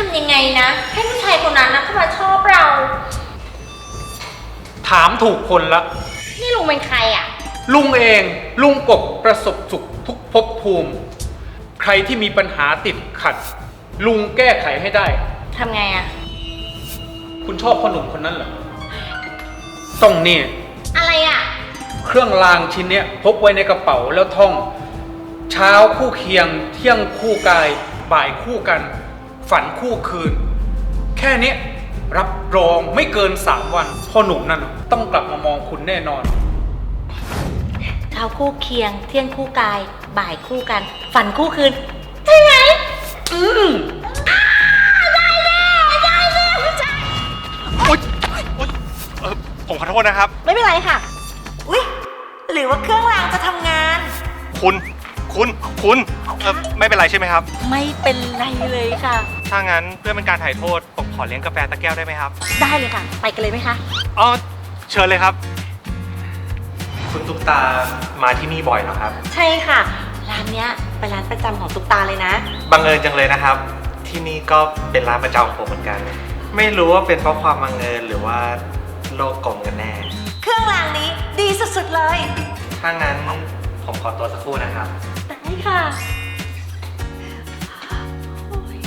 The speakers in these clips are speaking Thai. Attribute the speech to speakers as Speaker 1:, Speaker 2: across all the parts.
Speaker 1: ำยังไงนะให้ผู้ชายคนนั้นนะเข้ามาชอบเรา
Speaker 2: ถามถูกคนละ
Speaker 1: นี่ลุงเป็นใครอ่ะ
Speaker 2: ลุงเองลุงกบประสบสุขทุกภพภูมิ ใครที่มีปัญหาติดขัด ลุงแก้ไขให้ได้
Speaker 1: ทำไงอ่ะ
Speaker 2: คุณชอบพ่อหนุ่มคนนั้นเหรอต้องนี่
Speaker 1: อะไรอ่ะ
Speaker 2: เครื่องรางชิ้นเนี้ยพกไว้ในกระเป๋าแล้วท่อง เช้าคู่เคียง เที่ยงคู่กาย บ่ายคู่กัน ฝันคู่คืน แค่นี้รับรองไม่เกิน3 วันพ่อหนุ่มนั่นต้องกลับมามองคุณแน่นอน
Speaker 1: เช้าคู่เคียง เที่ยงคู่กาย บ่ายคู่กัน ฝันคู่คืน ใช่ไหม
Speaker 3: ผมขอโทษนะครับ
Speaker 1: ไม่เป็นไรค่ะ อุ๊ย หรือว่าเครื่องรางจะทำงาน
Speaker 3: คุณไม่เป็นไรใช่ไหมครับ
Speaker 1: ไม่เป็นไรเลยค่ะ
Speaker 3: ถ้างั้นเพื่อเป็นการถ่ายโทษผมขอเลี้ยงกาแฟตะแก้วได้ไหมครับ
Speaker 1: ได้เลยค่ะ ไปกันเลยไหมคะ
Speaker 3: อ๋อเชิญเลยครับ คุณตุ๊กตามาที่นี่บ่อยเหรอครับ
Speaker 1: ใช่ค่ะ ร้านเนี้ยเป็นร้านประจำของตุ๊กตาเลยนะ
Speaker 3: บังเอิญจังเลยนะครับ ที่นี่ก็เป็นร้านประจำของผมเหมือนกัน ไม่รู้ว่าเป็นเพราะความบังเอิญหรือว่าโลกกลมกันแน่
Speaker 1: เครื่องรางนี้ดีสุดๆเลย
Speaker 3: ถ้างั้นผมขอตัวสักครู่นะครับ
Speaker 1: ได้ค่ะโอ้ย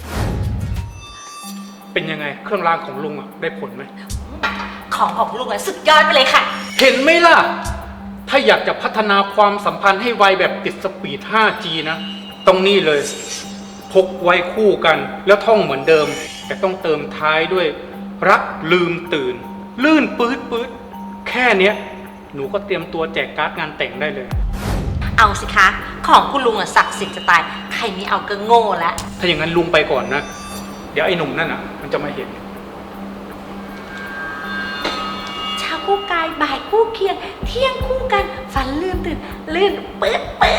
Speaker 2: เป็นยังไงเครื่องรางของลุงได้ผลไหม
Speaker 1: ของลุงอะสุดยอดไปเลยค่ะ
Speaker 2: เห็นไหมล่ะ ถ้าอยากจะพัฒนาความสัมพันธ์ให้ไวแบบติดสปีด 5G นะต้องนี่เลย พกไว้คู่กันแล้วท่องเหมือนเดิม แต่ต้องเติมท้ายด้วย รักลืมตื่น ลื่นปื๊ดแค่เนี้ยหนูก็เตรียมตัวแจกการ์ดงานแต่งได้เลย
Speaker 1: เอาสิคะ ของคุณลุงอะศักดิ์สิทธิ์จะตาย ใครไม่เอาก็โง่แล้ว
Speaker 2: ถ้าอย่างนั้นลุงไปก่อนนะ เดี๋ยวไอ้หนุ่มนั่นมันจะมาเห็น
Speaker 1: เช้าคู่กาย บ่ายคู่เคียง เที่ยงคู่กัน ฝันลืมตื่น ลื่นปื๊ด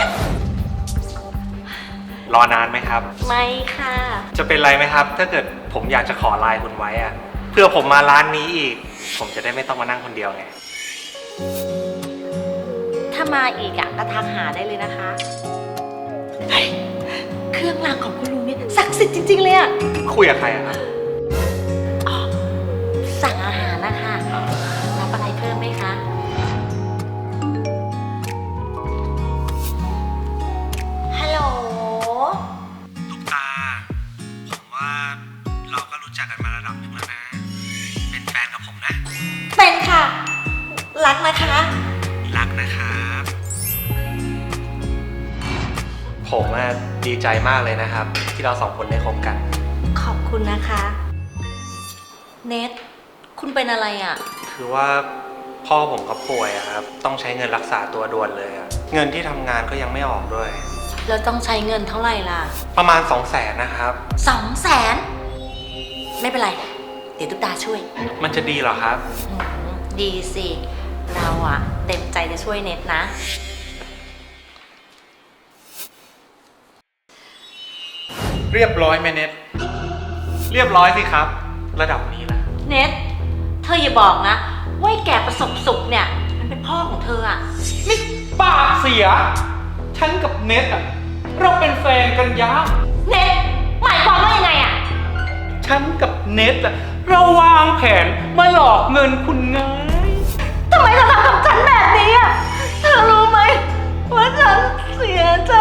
Speaker 3: รอนานไหมครับ
Speaker 1: ไม่ค่ะ
Speaker 3: จะเป็นไรไหมครับ ถ้าเกิดผมอยากจะขอไลน์คุณไว้อะเพื่อผมมาร้านนี้อีก ผมจะได้ไม่ต้องมานั่งคนเดียวไง
Speaker 1: ถ้ามาอีกอะก็ทักหาได้เลยนะคะเฮ้ยเครื่องรางของคุณลุงเนี่ยศักดิ์สิทธิ์จริงๆเลยอะ
Speaker 3: คุยกับใครอะครับ
Speaker 1: อ๋อสั่งอาหารนะคะรับอะไรเพิ่มไหมคะ ฮัลโหล
Speaker 3: ตุ๊กตา ผมว่าเราก็รู้จักกันมาระดับหนึ่งแล้วนะ เป็นแฟนกับผมนะ
Speaker 1: เป็นค่ะ รักนะคะ
Speaker 3: รักนะครับ ผมดีใจมากเลยนะครับ ที่เราสองคนได้คบกัน
Speaker 1: ขอบคุณนะคะ เนทคุณเป็นอะไรอะ
Speaker 3: คือว่าพ่อผมก็ป่วยอะครับ ต้องใช้เงินรักษาตัวด่วนเลยอะเงินที่ทำงานก็ยังไม่ออกด้วย
Speaker 1: แล้วต้องใช้เงินเท่าไหร่ล่ะ
Speaker 3: ประมาณ 200,000นะครับ
Speaker 1: 200,000ไม่เป็นไร เดี๋ยวตุ๊กตาช่วย
Speaker 3: มันจะดีเหรอครับ
Speaker 1: ดีสิ เราอะเต็มใจจะช่วยเน็ตนะ
Speaker 2: เรียบร้อยไหมเน็ต
Speaker 3: เรียบร้อยสิครับ ระดับนี้นะ
Speaker 1: เน็ตเธออย่าบอกนะว่าไอ้แก่ประสบสุขเนี่ยมันเป็นพ่อของเธออะ
Speaker 2: นี่ปากเสีย ฉันกับเน็ตเราเป็นแฟนกันยะ
Speaker 1: เน็ตหมายความว่ายังไงอะ
Speaker 2: ฉันกับเน็ตเราวางแผนมาหลอกเงินคุณไง
Speaker 1: ทำไมเธอทำกับฉันแบบนี้อะเธอรู้ไหมว่าฉันเสียใจ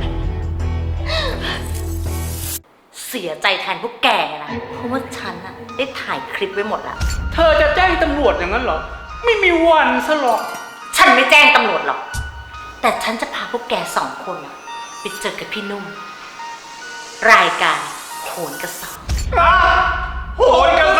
Speaker 1: เสียใจแทนพวกแกนะเพราะว่าฉันอะได้ถ่ายคลิปไว้หมดแล้ว
Speaker 2: เธอจะแจ้งตำรวจอย่างนั้นเหรอ ไม่มีวันซะหรอก
Speaker 1: ฉันไม่แจ้งตำรวจหรอก แต่ฉันจะพาพวกแก2 คนไปเจอกับพี่นุ่ม รายการโหนกระสอบ
Speaker 2: โหนกระ